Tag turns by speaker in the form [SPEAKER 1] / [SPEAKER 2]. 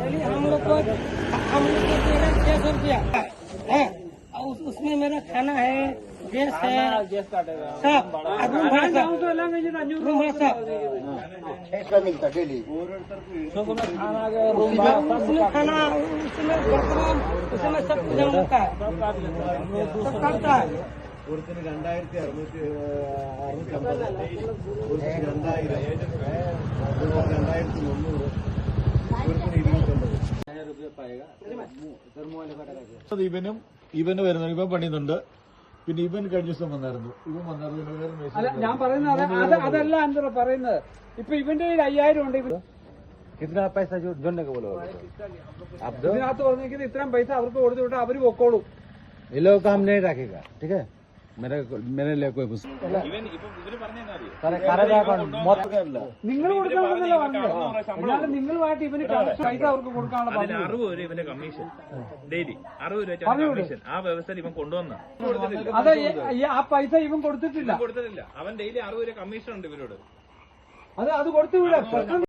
[SPEAKER 1] Daily हम लोग को दे रहे 600 रुपया है। उसमें मेरा खाना है, गैस है, सब रूम भाड़ा सब
[SPEAKER 2] मिलता डेली
[SPEAKER 1] उसमें खाना, उसमें बर्तन, उसमें सब कुछ हम लोग का है, सब करता है।
[SPEAKER 3] ഒരുത്തിന് 2650 ഒരുത്തിന് 2000 ഇവന് വരുന്നു. ഇവൻ പണിയുന്നുണ്ട്. പിന്നെ ഇവൻ കഴിഞ്ഞ ദിവസം വന്നായിരുന്നു. ഇവൻ വന്നായിരുന്നു.
[SPEAKER 4] ഞാൻ പറയുന്നത് അതല്ല എന്താ പറയുന്നത്. ഇപ്പൊ ഇവന്റെ കയ്യിൽ 5000 ഉണ്ട്.
[SPEAKER 2] कितना पैसा जो जोड़ने को बोलो आप दो।
[SPEAKER 4] ഇതിനകത്ത് പറഞ്ഞിരിക്കുന്നത് ഇത്രയും പൈസ അവർക്ക് കൊടുത്തു വിട്ടാൽ അവര് പൊക്കോളും.
[SPEAKER 2] ये लोग काम नहीं रखेगा, ठीक है। मेरे लिए कोई
[SPEAKER 4] നിങ്ങൾ കൊടുക്കാണെന്നല്ല പറഞ്ഞത്. അല്ലാതെ നിങ്ങളുമായിട്ട് ഇവന് പൈസ അവർക്ക് കൊടുക്കാനുള്ള
[SPEAKER 5] അതിന് 60 രൂപ ഇവന്റെ കമ്മീഷൻ ഡെയിലി 60 രൂപ കമ്മീഷൻ ആ വ്യവസ്ഥയിൽ ഇവൻ കൊണ്ടുവന്ന
[SPEAKER 4] അതെ. ആ പൈസ ഇവൻ കൊടുത്തിട്ടില്ല.
[SPEAKER 5] കൊടുത്തിട്ടില്ല. അവൻ ഡെയിലി 60 രൂപ കമ്മീഷൻ ഉണ്ട് ഇവരോട്.
[SPEAKER 4] അത് കൊടുത്തു വിടാം.